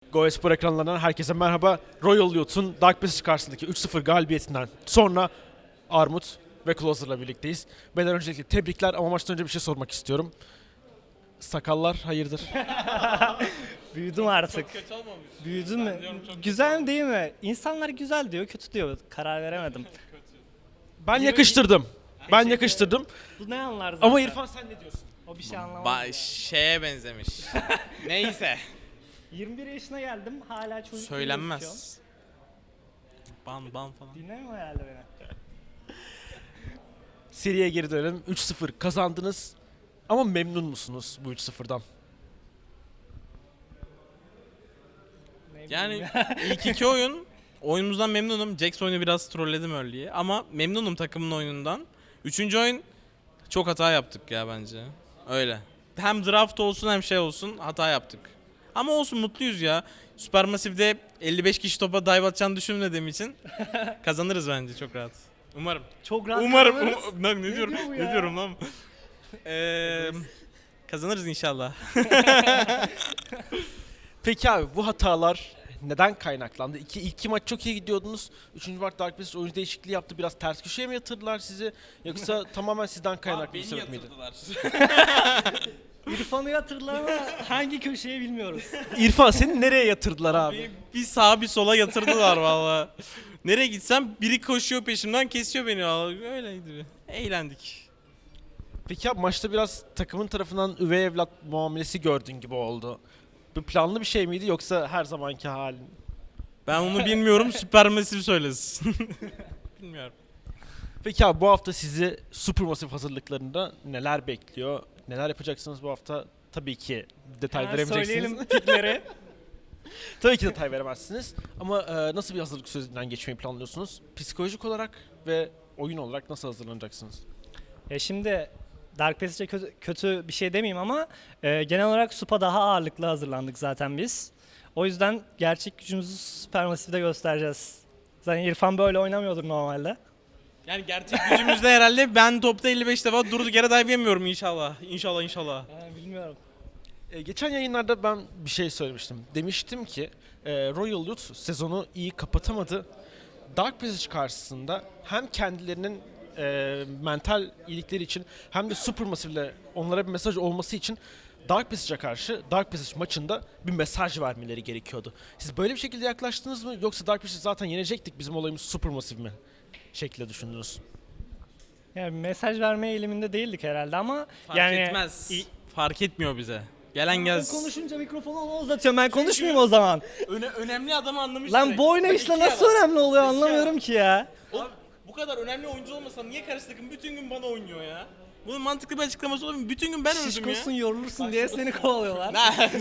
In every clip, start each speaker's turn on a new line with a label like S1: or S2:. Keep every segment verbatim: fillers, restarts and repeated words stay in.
S1: Go Spor ekranlarından herkese merhaba. Royal Youth'un Dark Passage karşısındaki üç sıfır galibiyetinden sonra Armut ve Closer'la birlikteyiz. Beyler öncelikle tebrikler ama maçtan önce bir şey sormak istiyorum. Sakallar hayırdır?
S2: Büyüdüm artık.
S3: Çok kötü olmamış.
S2: Büyüdün mü?
S3: diyorum çok
S2: Güzel değil mi? İnsanlar güzel diyor, kötü diyor. Karar veremedim.
S1: Ben yakıştırdım. Ben yakıştırdım.
S2: Bu ne anlar zaten?
S1: Ama İrfan sen ne diyorsun?
S2: O bir şey anlamaz.
S3: Ba
S2: ya.
S3: şeye benzemiş. Neyse.
S2: yirmi bir yaşına geldim, hala çocuk gibi gözüküyorum.
S3: Söylenmez. Ban ban falan.
S2: Dinlemiyor herhalde beni.
S1: Seriye geri dönelim. üç sıfır kazandınız. Ama memnun musunuz bu üç sıfırdan?
S2: Ne bileyim
S3: Yani
S2: ya.
S3: ilk iki oyun oyunumuzdan memnunum. Jax oyunu biraz trolledim early'yi ama memnunum takımın oyunundan. Üçüncü oyun çok hata yaptık ya bence. Öyle. Hem draft olsun hem şey olsun hata yaptık. Ama olsun mutluyuz ya. Supermassive'de elli beş kişi topa dive atacağını düşünmediğim için kazanırız bence çok rahat. Umarım.
S2: Çok rahat
S3: Umarım.
S2: kalırız.
S3: Um- Lan ne, diyorum?
S2: diyor bu
S3: Ne
S2: ya?
S3: diyorum lan? Ee, kazanırız inşallah.
S1: Peki abi bu hatalar neden kaynaklandı? İki, iki maç çok iyi gidiyordunuz. Üçüncü maç Dark Passage oyuncu değişikliği yaptı. Biraz ters köşeye mi yatırdılar sizi? Yoksa tamamen sizden kaynaklı bir sebep miydi?
S2: İrfan'ı hatırlar ama hangi köşeye bilmiyoruz.
S1: İrfan seni nereye yatırdılar abi?
S3: Bir, bir sağa bir sola yatırdılar valla. Nereye gitsem biri koşuyor peşimden kesiyor beni valla. Öyleydi. Eğlendik.
S1: Peki abi maçta biraz takımın tarafından üvey evlat muamelesi gördüğün gibi oldu. Bu planlı bir şey miydi yoksa her zamanki halin?
S3: Ben onu bilmiyorum. Supermassive söylesin. Bilmiyorum.
S1: Peki abi bu hafta sizi Supermassive hazırlıklarında neler bekliyor? Neler yapacaksınız bu hafta? Tabii ki detay
S2: Hemen
S1: veremeyeceksiniz.
S2: söyleyelim pikleri.
S1: Tabii ki detay veremezsiniz. Ama e, nasıl bir hazırlık sürecinden geçmeyi planlıyorsunuz? Psikolojik olarak ve oyun olarak nasıl hazırlanacaksınız?
S2: Ya şimdi Dark Passage'e kötü, kötü bir şey demeyeyim ama e, genel olarak Supa daha ağırlıklı hazırlandık zaten biz. O yüzden gerçek gücümüzü Supermassive'de göstereceğiz. Zaten İrfan böyle oynamıyordur normalde.
S3: Yani gerçek gücümüzde herhalde ben topta elli beş defa durduk yere dive yemiyorum inşallah. İnşallah inşallah.
S2: Ha, bilmiyorum.
S1: E, geçen yayınlarda ben bir şey söylemiştim. Demiştim ki e, Royal Youth sezonu iyi kapatamadı. Dark Passage karşısında hem kendilerinin e, mental iyilikleri için hem de Supermassive ile onlara bir mesaj olması için Dark Passage'a karşı Dark Passage maçında bir mesaj vermeleri gerekiyordu. Siz böyle bir şekilde yaklaştınız mı yoksa Dark Passage zaten yenecektik bizim olayımız Supermassive mi şekilde düşündünüz?
S2: Yani mesaj verme eğiliminde değildik herhalde ama
S3: Fark
S2: yani
S3: etmez.
S2: İ-
S3: Fark etmiyor bize. Gelen
S2: Ben
S3: gelsin.
S2: konuşunca mikrofonu ona uzatıyorum. Ben konuşmayayım o zaman.
S3: Öne, önemli adamı anlamış.
S2: Lan
S3: direkt.
S2: bu oynayışla
S3: İki
S2: nasıl
S3: adam.
S2: önemli oluyor
S3: İki
S2: anlamıyorum
S3: adam.
S2: ki ya.
S3: Oğlum, bu kadar önemli oyuncu olmasa niye karşı takım bütün gün bana oynuyor ya? Bunun mantıklı bir açıklaması olabilir mi? Bütün gün ben öldüm ya.
S2: Şişkosun yorulursun diye seni kovalıyorlar.
S3: Ne?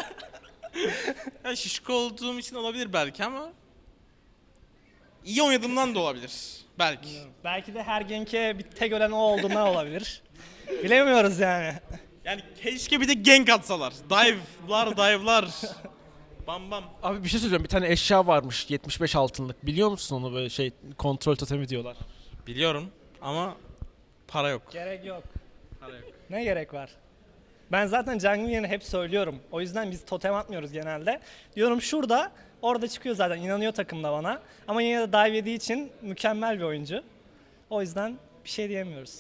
S3: Ya şişko olduğum için olabilir belki ama iyi oynadığımdan da olabilir. Belki.
S2: Belki de her genke bir tek ölen o olduğundan olabilir. Bilemiyoruz yani.
S3: Yani keşke bir de gank atsalar. Dive'lar, dive'lar. Bam bam.
S1: Abi bir şey söyleyeceğim. Bir tane eşya varmış yetmiş beş altınlık. Biliyor musun onu böyle şey kontrol totemi diyorlar.
S3: Biliyorum ama para yok.
S2: Gerek yok.
S3: Para yok.
S2: Ne gerek var? Ben zaten jungle yerine hep söylüyorum. O yüzden biz totem atmıyoruz genelde. Diyorum şurada, orada çıkıyor zaten. İnanıyor takım da bana. Ama yine de dive yediği için mükemmel bir oyuncu. O yüzden bir şey diyemiyoruz.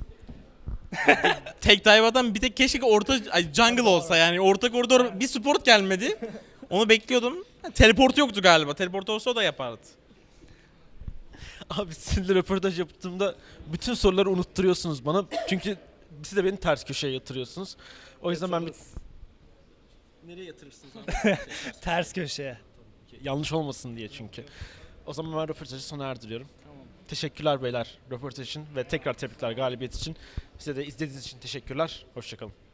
S3: Tek dive atan bir tek keşke orta ay, jungle olsa yani orta koridor bir support gelmedi. Onu bekliyordum. Ha, teleportu yoktu galiba. Teleport olsa o da yapardı.
S1: Abi sizinle röportaj yaptığımda bütün soruları unutturuyorsunuz bana. Çünkü siz de beni ters köşeye yatırıyorsunuz. O yüzden ben bir... Nereye yatırırsınız abi?
S2: Ters köşeye.
S1: Yanlış olmasın diye çünkü. O zaman ben röportajı sona erdiriyorum. Teşekkürler beyler röportaj için ve tekrar tebrikler galibiyet için. Size de izlediğiniz için teşekkürler. Hoşçakalın.